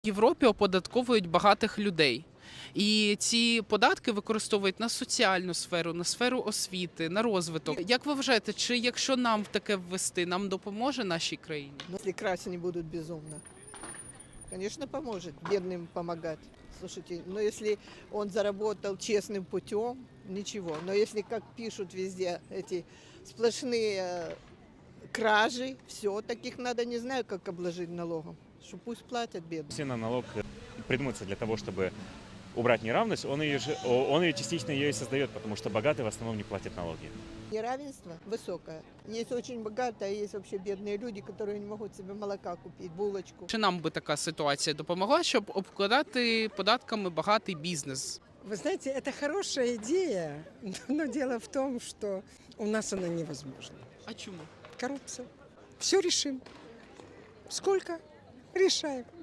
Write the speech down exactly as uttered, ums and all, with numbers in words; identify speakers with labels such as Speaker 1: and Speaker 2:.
Speaker 1: В Європі оподатковують багатих людей. І ці податки використовують на соціальну сферу, на сферу освіти, на розвиток. Як ви вважаєте, чи якщо нам в таке ввести, нам допоможе нашій країні?
Speaker 2: Ну, если красть не будут безумно. Конечно, поможет бедным помогать. Слушайте, но если он заработал честным путем, ничего. Но если, как пишут везде, эти сплошные э, кражи, все, таких надо, не знаю, как обложить налогом. Что пусть платят бедные.
Speaker 3: Все на налог придумывается для того, чтобы убрать неравность, он ее, же, он ее частично ее и создает, потому что богатые в основном не платят налоги.
Speaker 2: Неравенство высокое. Есть очень богатые, а есть вообще бедные люди, которые не могут себе молока купить, булочку.
Speaker 1: Чи нам би така ситуація допомогла, щоб обкладати податками багатий бізнес?
Speaker 4: Вы знаете, это хорошая идея, но дело в том, что у нас она невозможна.
Speaker 1: А чому?
Speaker 4: Коррупция. Все решим. Сколько? Решаем.